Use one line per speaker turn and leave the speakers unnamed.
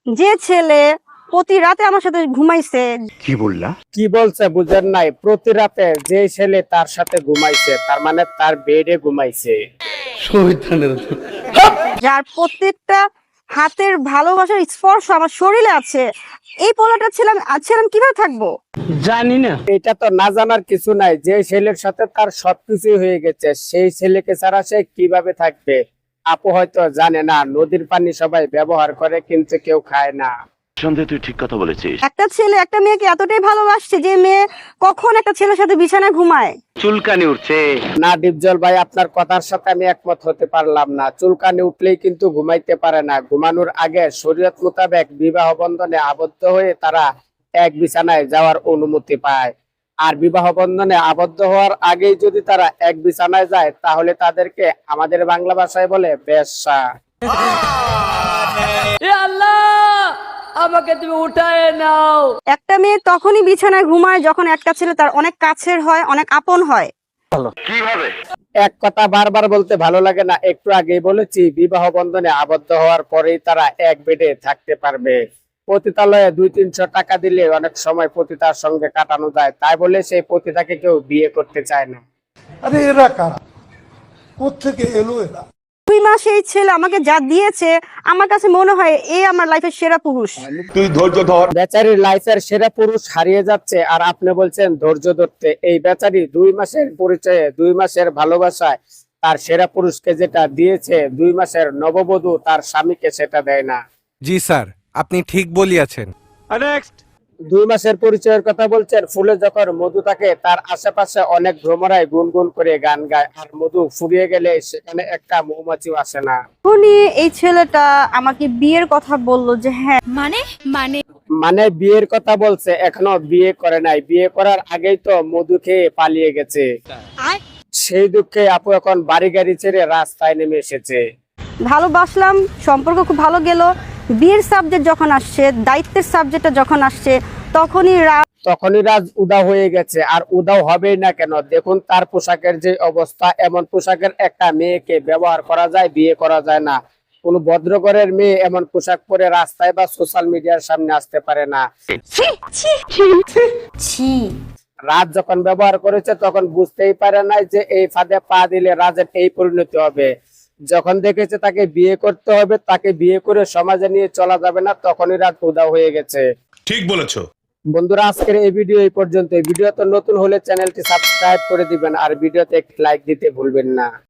যে ছেলে প্রতি রাতে আমার সাথে ঘুমাইছে।
কি বললা?
কি বলছে বুঝেন নাই? প্রতি রাতে যে ছেলে তার সাথে ঘুমাইছে তার মানে তার বেডে ঘুমাইছে।
যার প্রত্যেকটা হাতের ভালোবাসার স্পর্শ আমার শরীরে আছে, এই পোলাটা ছিলাম কিভাবে থাকবো?
জানি না, এটা তো না জানার কিছু নাই। যে ছেলের সাথে তার সবকিছু হয়ে গেছে সেই ছেলেকে ছাড়া সে কিভাবে থাকবে? আপু হয়তো জানে না, নদীর পানি সবাই ব্যবহার করে কিন্তু কেউ খায় না।
সন্দেহ, তুই ঠিক কথা বলেছিস।
একটা ছেলে একটা মেয়েকে এতটাই ভালোবাসছে যে মেয়ে কখন একটা ছেলের সাথে বিছানায় ঘুমায়।
চুলকানি উঠছে।
না ডিপজল ভাই, আপনার কথার সাথে আমি একমত হতে পারলাম না। চুলকানি উঠলেই কিন্তু ঘুমাইতে পারে না। ঘুমানোর আগে শরীয়ত মোতাবেক বিবাহ বন্ধনে আবদ্ধ হয়ে তারা এক বিছানায় যাওয়ার অনুমতি পায়। আর বিবাহ বন্ধনে আবদ্ধ হওয়ার আগেই যদি তারা এক বিছানায় যায় তাহলে তাদেরকে আমাদের বাংলা ভাষায় বলে বেশ্যা।
আমাকে তুমি উঠায় নাও।
একটা মেয়ে তখনই বিছানায় ঘুমায় যখন একটা ছেলে তার অনেক কাছের হয়, অনেক আপন হয়।
কিভাবে?
এক কথা বারবার বলতে ভালো লাগে না? একটু আগেই বলেছি, বিবাহ বন্ধনে আবদ্ধ হওয়ার পরেই তারা এক বেডে থাকতে পারবে। পতিতালয়ে 200-300 টাকা দিলে অনেক সময় পতিতার সঙ্গে কাটানো যায়, তাই বলে সেই পতিতাকে কেউ বিয়ে করতে চায় না।
আরে এরা কারা? কোত্থেকে এলো এরা?
2 মাস এই ছেলে আমাকে যা দিয়েছে, আমার কাছে মনে হয় এই আমার লাইফের সেরা পুরুষ।
তুই ধৈর্য ধর।
বেচারির লাইফের সেরা পুরুষ হারিয়ে যাচ্ছে আর আপনি বলছেন ধৈর্য ধরতে। এই বেচারি 2 মাসের পরিচয়ে, 2 মাসের ভালোবাসায় তার সেরা পুরুষকে যেটা দিয়েছে, 2 মাসের নববধূ তার স্বামীকে সেটা দেয় না।
জি স্যার, আপনি ঠিক বলিয়াছেন।
2 মাসের পরিচয়ের কথা বলছেন। ফুলে যখন মধু থাকে তার আশেপাশে অনেক ভ্রমরাই গুনগুন করে গান গায়, আর মধু ফুরিয়ে গেলে সেখানে একটা মৌমাছিও আসে না।
উনি এই ছেলেটা আমাকে বিয়ের কথা বলল যে হ্যাঁ,
মানে বিয়ের কথা বলছে, এখনো বিয়ে করে নাই। বিয়ে করার আগেই তো মধু খেয়ে পালিয়ে গেছে। সেই দুঃখে আপু এখন বাড়ি গাড়ি ছেড়ে রাস্তায় নেমে এসেছে।
ভালোবাসলাম, সম্পর্ক খুব ভালো গেল। বিয়ের সাবজেক্ট যখন আসছে, দায়িত্বের সাবজেক্টটা যখন আসছে, তখনই
রাজ উদাও হয়ে গেছে। আর উদাও হবেই না কেন? দেখুন তার পোশাকের যে অবস্থা, এমন পোশাকের একটা মেয়েকে ব্যবহার করা যায়, বিয়ে করা যায় না। কোন ভদ্রঘরের মেয়ে এমন পোশাক পরে রাস্তায় বা সোশ্যাল মিডিয়ার সামনে আসতে পারে না। রাজ যখন ব্যবহার করেছে তখন বুঝতেই পারে না যে এই ফাঁদে পা দিলে রাজের এই পরিণতি হবে। যখন দেখেছে তাকে বিয়ে করতে হবে, তাকে বিয়ে করে সমাজে নিয়ে চলা যাবে না, তখনই রাজ উদাও হয়ে গেছে।
ঠিক বলেছো
বন্ধুরা, আজকের এই ভিডিও এই পর্যন্ত। এই ভিডিওতে নতুন হলে চ্যানেলটি সাবস্ক্রাইব করে দিবেন আর ভিডিওতে একটি লাইক দিতে ভুলবেন না।